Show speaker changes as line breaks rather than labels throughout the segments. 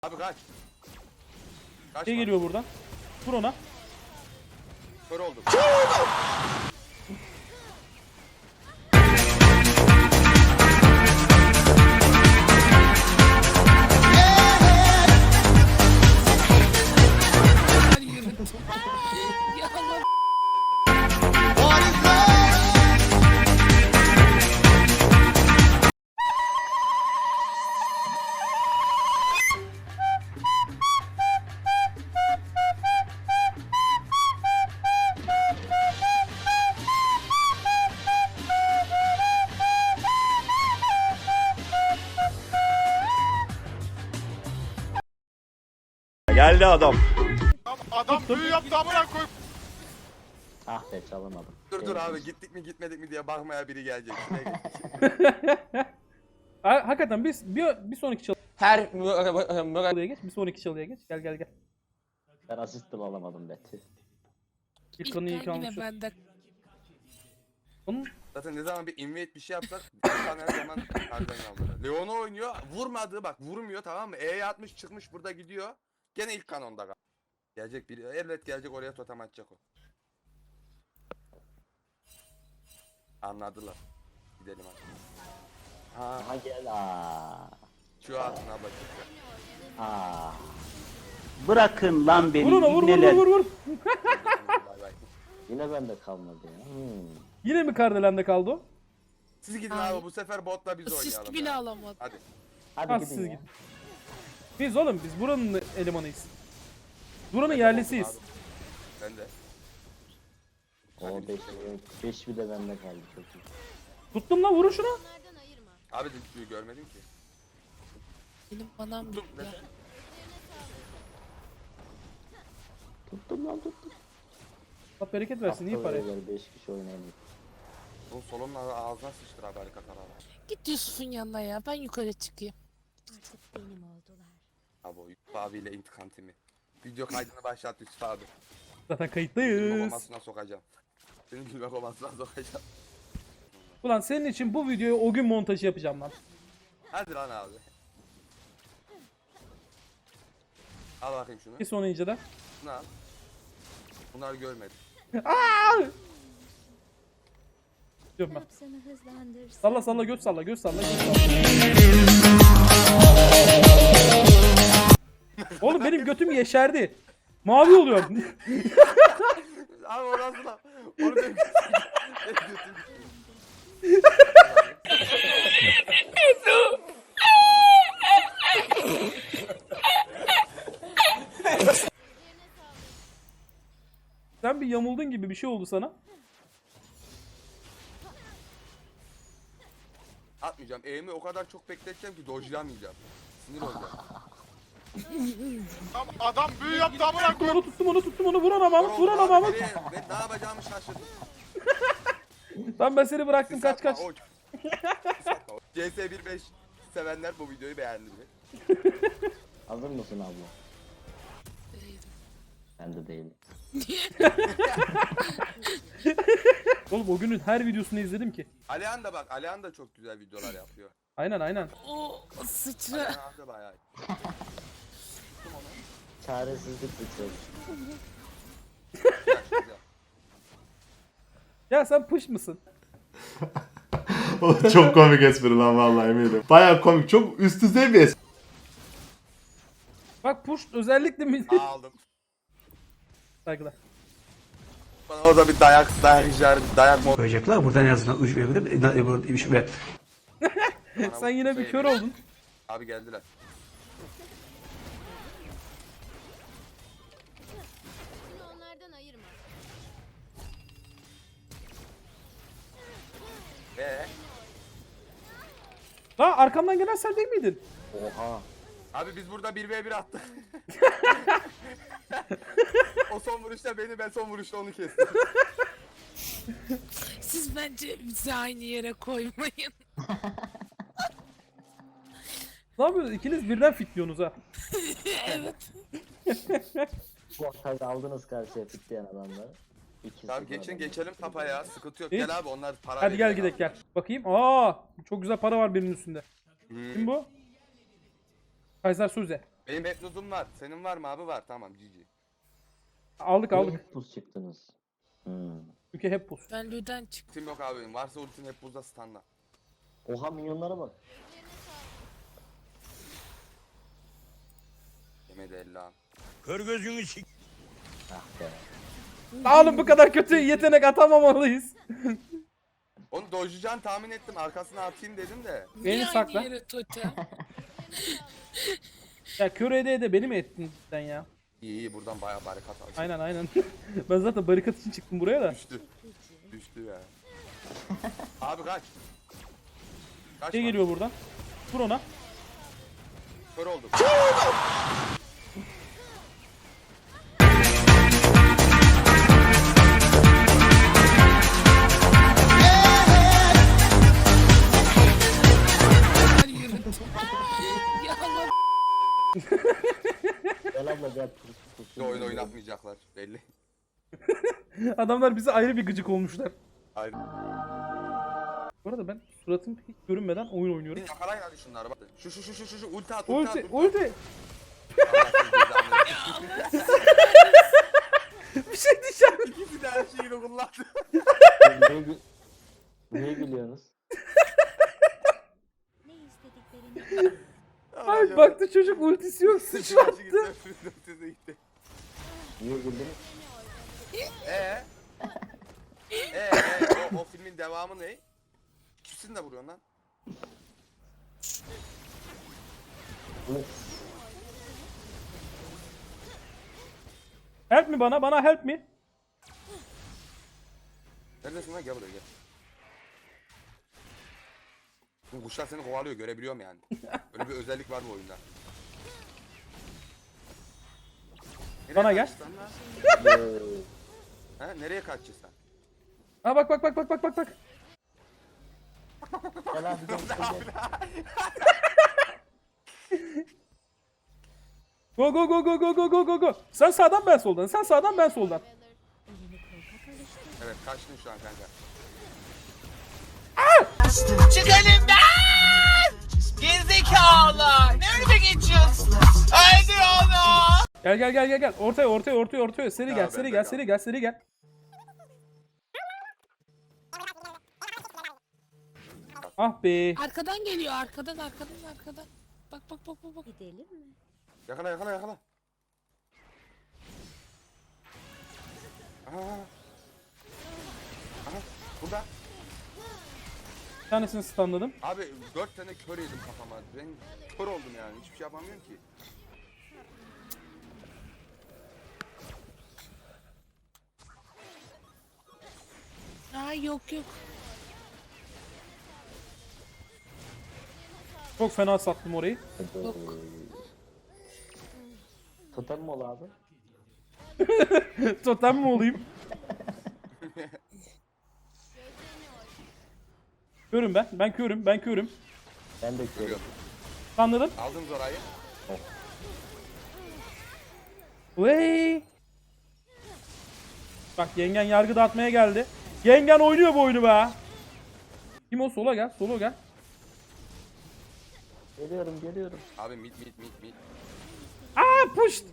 Abi kaç. Kaç
Şey geliyor buradan. Vur ona.
Kör oldum.
Ya Allah.
Geldi adam.
Adam büyü yaptı amına koy.
Ah be çalamadım.
Dur abi gittik mi gitmedik mi diye bakmaya biri gelecek. Şuraya geç.
Hakikaten bir sonraki çalıya geç. Bir sonraki çalıya geç. Gel.
Ben asist bile alamadım be. Tüh.
İlk kanı iyi
Yine
kalmış.
bende.
Onun
Zaten ne zaman bir invade bir şey yapsak bir tane her zaman kardan aldılar. Leon'u oynuyor. Vurmadı bak vurmuyor tamam mı? E'ye atmış çıkmış burada gidiyor. Gene ilk kanonda kal. Gelecek biri. Evet gelecek oraya totem atacak o. Anladılar. Gidelim hadi. Ha
Aha gel
şu atın abla çıktı.
Bırakın lan beni
vur ona vur.
Bay bay.
Yine bende kalmadı ya.
Yine mi Kardelen'de kaldı o?
Siz gidin
Ay.
abi bu sefer botla biz
Asist
oynayalım.
bile
ya.
alamadım.
Hadi.
Hadi
Ha,
gidin
siz
ya.
gidin. Biz oğlum biz buranın elemanıyız. Buranın yerlisiyiz.
Abi. Ben de.
O 5 bir de bende kaldı çok iyi.
Tuttum lan vurun şuna.
Abi düdüğü görmedim ki.
Benim manam
Dur,
yok ya.
neden?
Tuttum lan tuttum.
Allah bereket versin iyi para.
5 kişi oynayalım.
Oğlum solonun ağzına sıçtır abi harika tarafı.
Git Yusuf'un yanına ya. Ben yukarı çıkayım.
Benim oldular.
Abi o Yusuf abiyle intikam timi. Video kaydını başlat Yusuf abi.
Zaten
Gülme
kayıttayız.
komasına sokacağım. Seni gülme komasına sokacağım.
Ulan senin için bu videoyu o gün montajı yapacağım lan.
Hadi lan abi. Al bakayım şunu.
Bir sonra inceden.
Şunu al. Bunlar görmedi.
Diyorum ben.
Yapsana hızlandırsın.
Salla göz salla. Oğlum benim götüm yeşerdi. Mavi oluyor.
Abi o nasıl lan? Onu benim götüm.
Sen bir yamuldun gibi bir şey oldu sana.
Atmayacağım. Eğimi o kadar çok bekleteceğim ki dojlamayacağım. Sinir olacağım.
Adam büyü yaptı amına koy.
Onu tuttum onu vur ona Mahmut vur ona Mahmut.
Ben ne yapacağımı şaşırdım.
Lan ben seni bıraktım
Sis
kaç
atma,
kaç.
oç. Sis atma, oç. CS15 sevenler bu videoyu beğendi mi?
Hazır mısın abla? Ben de değilim.
Oğlum o günün her videosunu izledim ki.
Alihan da bak, Alihan da çok güzel videolar yapıyor.
Aynen.
O sıçra.
Alihan abi de bayağı iyi.
Çaresizlik bitiyor.
Güzel, güzel.
Ya sen pış mısın?
O çok komik espri lan vallahi eminim. Baya komik. Çok üst düzey bir espri.
Bak push özellikle mi?
Aldım.
Saygılar.
Bana o da bir dayak mod.
koyacaklar. Buradan en azından uç verebilir. Ve
Sen yine bir kör oldun.
Abi geldiler.
Bunu onlardan ayırma.
Ha arkamdan gelen sen değil miydin?
Oha.
Abi biz burada 1v1 attık. O son vuruşta beni, ben son vuruşta onu kestim.
Siz bence bizi aynı yere koymayın.
Ne yapıyorsunuz? İkiniz birden fitliyorsunuz ha.
Evet.
Bu ortayı aldınız karşıya fitleyen adamları.
Tamam geçelim tapa ya, sıkıntı yok.
İyi.
Gel abi onlar para
Hadi gel
veriyor
gidelim
abi.
gel. Bakayım. Aa çok güzel para var birinin üstünde. Kim bu? Kaiser Söze.
Benim Betluz'um var. Senin var mı abi? Var. Tamam GG.
Aldık
Niye
aldık.
hep buz çıktınız?
Çünkü hep buz.
Ben Lüden çıktım.
Ultim yok abi benim. Varsa ultim hep buzda standa.
Oha milyonlara bak.
Yemedi Allah'ım.
Ah be.
Oğlum bu kadar kötü yetenek atamamalıyız.
Onu dojlayacağını tahmin ettim. Arkasına atayım dedim de.
Beni
Niye
sakla.
aynı yere totem?
Ya kör ede beni mi ettin sen ya?
İyi iyi buradan bayağı barikat aldım.
Aynen aynen. Ben zaten barikat için çıktım buraya da.
Düştü. Düştü ya. Abi kaç. Kaç
Şey geliyor buradan. Vur ona.
Kör oldum.
Hadi yürü. Ya Allah.
Gel abla gel.
Bir oyun oynatmayacaklar belli.
Adamlar bize ayrı bir gıcık olmuşlar.
Hayır.
Bu arada ben suratım hiç görünmeden oyun oynuyorum.
Yakalayın hadi şunları bak. Şu ulti at ulti at.
Ulti, ulti. Bir şey diyeceğim.
İkisi de her şeyi kullandı.
Niye gülüyorsunuz?
Ne istediklerini
Ay baktı çocuk ultisi yok sıçrattı.
Gitti.
Niye güldünüz?
O filmin devamı ne? İkisini de vuruyorsun lan.
Help mi bana help mi?
Neredesin lan? Gel buraya gel. Bu kuşlar seni kovalıyor görebiliyorum yani. Öyle bir özellik var bu oyunda. Nereye
Bana gel.
kaçacaksın lan? Ha, nereye kaçacaksın?
Ha bak.
Gel abi gel.
Go. Sen sağdan ben soldan. Sen sağdan ben soldan.
elini korkak alıştı.
Evet kaçtın şu an kanka.
Çık elimden! Gerizekalı! Ne önüme geçiyorsun? Haydi onu!
Gel. Ortaya. Seri
Ya
gel,
ben
seri
de
gel,
kal.
seri gel. Ah be.
Arkadan geliyor arkadan. Bak.
Gidelim mi?
Yakala. Aha. Burada.
Bir tanesini stunladım.
Abi 4 tane kör yedim kafama. Ben kör oldum yani. Hiçbir şey yapamıyorum ki.
Aa yok.
Çok fena sattım orayı.
Totem mi ol abi?
Totem mi olayım? Körüm ben. Ben körüm.
Ben de körüm.
Görüyorum.
Anladım.
Aldım Zora'yı.
Vey. Bak yengen yargı dağıtmaya geldi. Yengen oynuyor bu oyunu be. Kim o? Sola gel.
Geliyorum.
Abi mid.
Aa pushed.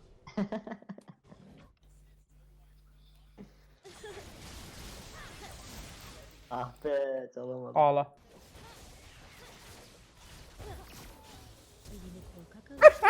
Ah be çalamadım.
Ağla.
Elini korkak alıştı.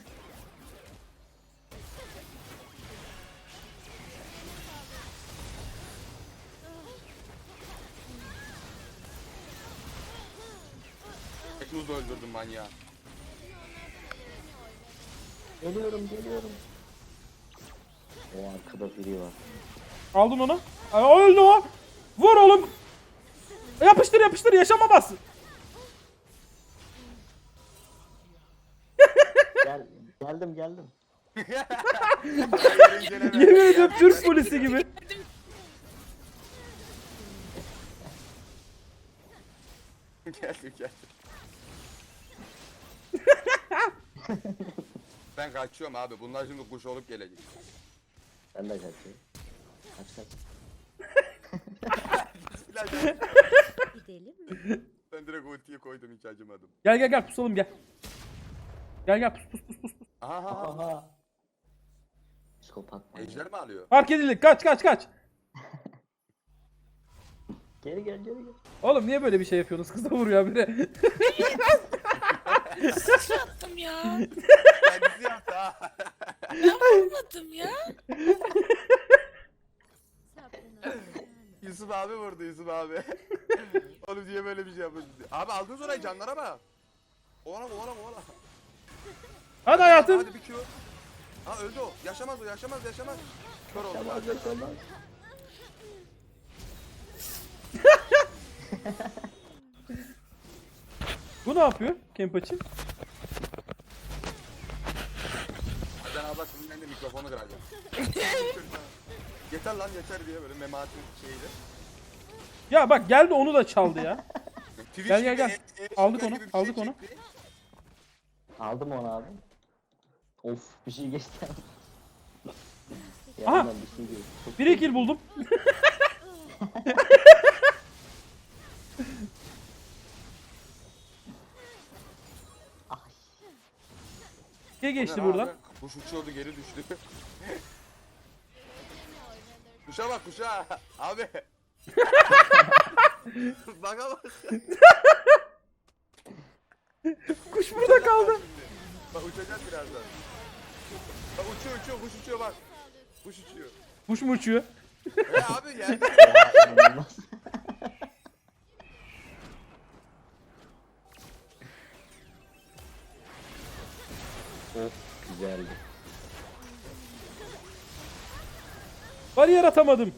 Teknuz'u öldürdüm manyağı.
Geliyorum. O arkada biri var.
Aldın onu. Ay, öldü o. Vur oğlum. Yapıştır yaşama bas.
Geldim.
Yemin ediyorum Türk polisi gibi.
Geldim. Ben kaçıyorum abi. Bunlar şimdi kuş olup gelecek.
Ben de kaçıyorum. Kaç.
Gidelim mi?
Ben direkt ultiyi koydum hiç acımadım.
Gel pusalım gel. Gel pus.
Aha.
Aha. Psikopat manyak.
Ejder mi alıyor?
Fark edildik. Kaç kaç kaç.
Geri gel geri gel.
Oğlum niye böyle bir şey yapıyorsunuz? Kıza vuruyor biri.
Attım ya.
Kendisi yaptı ha.
Ben vurmadım ya.
Sabrına dayan.
Yusuf abi vurdu Yusuf abi. Oğlum diye böyle bir şey yapıyorsun. Abi aldınız orayı canlara bak. Oğlum.
Hadi hayatım.
Hadi bir kilo. Ha öldü o. Yaşamaz o yaşamaz. Kör oldu.
Yaşamaz yaşamaz.
Bu ne yapıyor? Kempaçı.
Sen abla sizinden de mikrofonu kıracağım. Yeter lan yeter diye böyle Memati'nin şeyiyle.
Ya bak geldi onu da çaldı ya.
Twitch
Gel,
gibi
gel. Aldık
şeker
onu,
gibi bir
aldık onu.
çekti.
Aldım onu abi. Of bir şey geçti.
Aha!
Yanından bir şey geçti. Çok
Bir kill buldum.
Ay.
Şey geçti
Ne
buradan.
abi? Kuş uçuyordu geri düştü. Kuşa bak kuşa. Abi. Baka bak.
Kuş burada kaldı.
Bak uçacak birazdan. Bak uçuyor kuş uçuyor bak. Kuş uçuyor.
Kuş mu uçuyor?
Abi yerde.
Ya, inanılmaz. Of güzeldi.
Bariyer atamadım.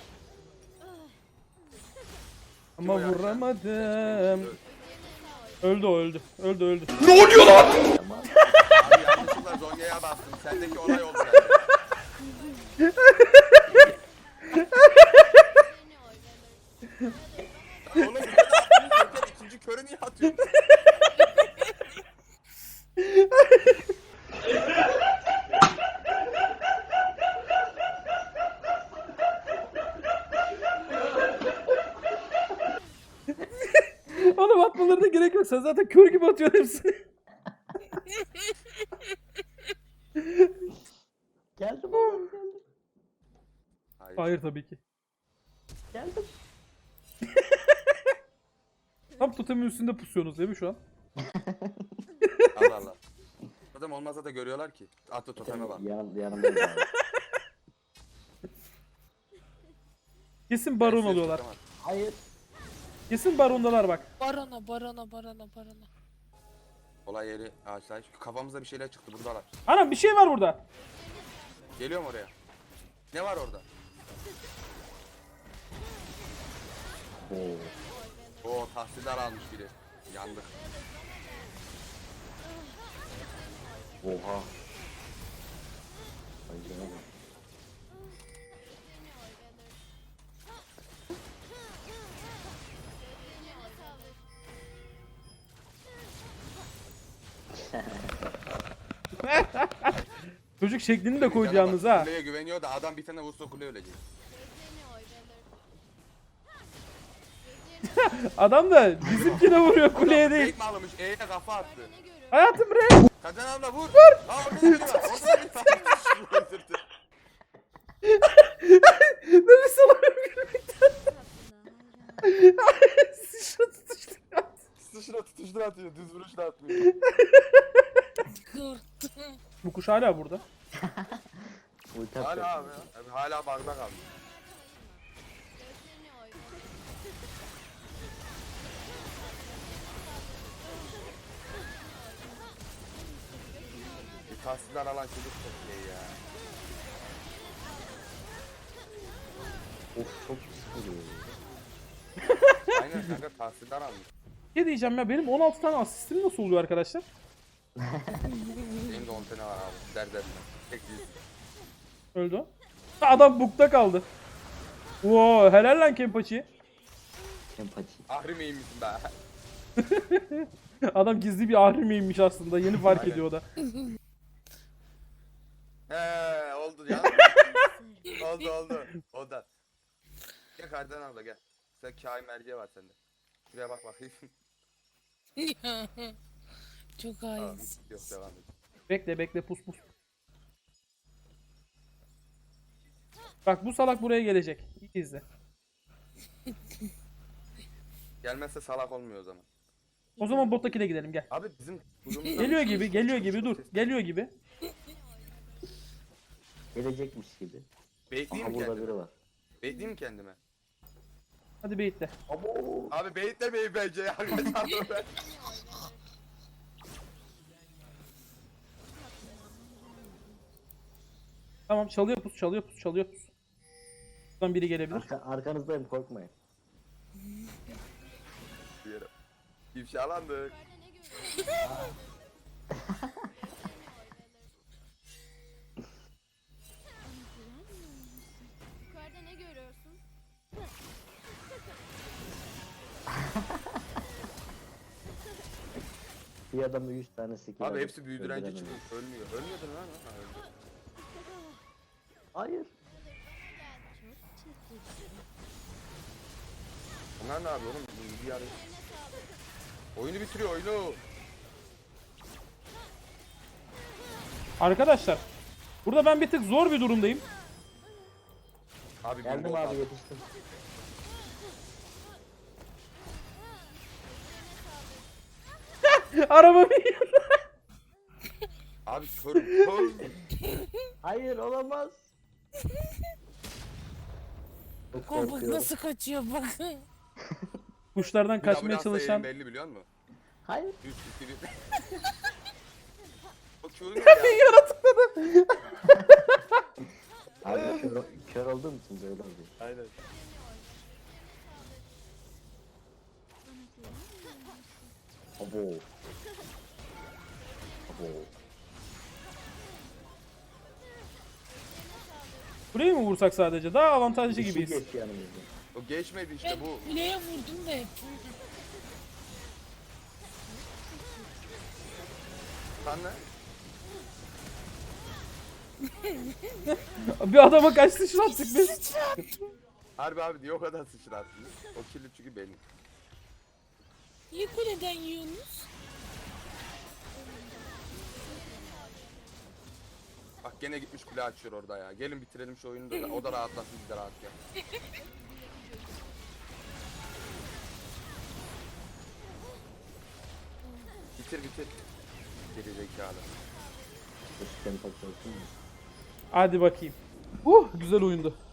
Ama
o ya?
vuramadım. Öldü o öldü. Öldü.
Tamam.
Abi yanlışlıkla Zonya'ya bastım. Sendeki olay oldu yani. Oğlum bir de yaptın, ikinci körü niye atıyorsun?
Oğlum atmalarına gerek yok. Sen zaten kör gibi atıyorsun hepsini.
Geldim oğlum geldim.
Hayır tabii ki.
Geldim.
Tam totemin üstünde pusuyorsunuz değil mi şu an?
Allah. Totem olmazsa da görüyorlar ki. Atı toteme bak.
Yanımdayız abi.
Kesin baron oluyorlar.
Hayır.
Kesin barondalar bak.
Barona.
Olay yeri ağaçlar. Kafamıza bir şeyler çıktı buradalar.
Anam bir şey var burada.
Geliyorum oraya. Ne var orada?
Oo.
Oo tahsildar almış biri. Yandık.
Oha. Ay canım.
Çocuk şeklini de koydu
Cana bak,
yalnız ha.
Kuleye güveniyor da adam bir tane vursa kule ölecek.
Adam da bizimkine vuruyor kuleye değil.
Fake mi almış? E'ye kafa attı.
Hayatım re.
Kacan abla vur. Vur. Aa orada da biri var. Orada da biri var. Şunu öldürdü.
Nefes alamıyorum gülmekten.
Sabrına hayran.
Sıçra tutuştu.
Sıçra tutuştur atıyor. Düz vuruş da atmıyor.
Korktum.
Bu kuş hala burada.
Ulti
Hala
atacak.
abi ya. Abi hala bug'da kaldı. Bir tahsildar alan çocuk çok iyi ya.
Of çok sıkılıyor.
Aynen kanka tahsildar almış.
Ne diyeceğim ya benim 16 tane asistim nasıl oluyor arkadaşlar?
Benim de 10 tane var abi. Derden. Tek yüz.
Öldü o. Adam bukta kaldı. Oo helal lan Kempaçi.
Empati.
Ahri miymişsin be?
Adam gizli bir ahrimeymiş aslında. Yeni fark
Aynen.
ediyor o da.
Oldu ya. oldu. O da. Gel kardan abla gel. Sen kain merceği var sende. Şuraya bak bakayım.
Çok
Tamam,
hainsin.
yok devam et.
Bekle bekle pus pus. Bak bu salak buraya gelecek. İyi izle.
Gelmezse salak olmuyor o zaman.
O zaman bottakine gidelim gel.
Abi bizim kuyumuzdan
Geliyor
bir şey
gibi,
çıkmış,
geliyor
çıkmış,
gibi dur.
çıkmış.
Geliyor gibi.
Gelecekmiş gibi.
Bekleyeyim
Aha
mi
burada
kendime?
biri var.
Bekleyeyim mi kendime?
Hadi beyitle.
Abi beyitlemeyin bence ya. Arkadaşlar.
Tamam çalıyor pus, çalıyor pus, çalıyor pus. Buradan biri gelebilir.
Arkanızdayım korkmayın.
İfşalandık.
Yukarıda ne görüyorsun?
Bir adamı 100 tane skill
Abi
alıp
hepsi büyüdürenci
öldüremedim.
çıkmış. Ölmüyor. Ölmüyordu lan. Ha, öldü.
Hayır.
Çok çekici.
Bunlar ne yapıyor oğlum? Bu bir araya. Oyunu bitiriyor oyunu.
Arkadaşlar. Burada ben bir tık zor bir durumdayım.
Abi
Geldim
bingo
abi
kaldı.
yetiştim.
Araba bir
Abi körüm. Kör.
Hayır olamaz. Çok
Bak
korkuyorum.
nasıl kaçıyor bak.
kuşlardan
Bir
kaçmaya
ambulansla
çalışan
yerim belli biliyor musun?
Hayır.
3 2 1. O körüm ya.
yaratıkladı.
Abi kör olduğum için böyle oluyor.
Aynen.
Abo. Abo.
Burayı mı vursak sadece? Daha avantajlı
Bir şey
gibiyiz.
geçti yanımızda.
O geçmedi işte
Ben
bu.
kuleye vurdum da hep.
Sen ne?
Bir adama kaç sıçrattık biz.
Harbi abi diye o kadar sıçrattınız. O kirli çünkü benim.
Niye kuleden yiyorsunuz?
Bak gene gitmiş kule açıyor orada ya. Gelin bitirelim şu oyunu da o da rahatlasın biz de rahat ya. Bitir bitir. Geri zekalı.
Üstten takıyorsun mu?
Hadi bakayım. Güzel oyundu.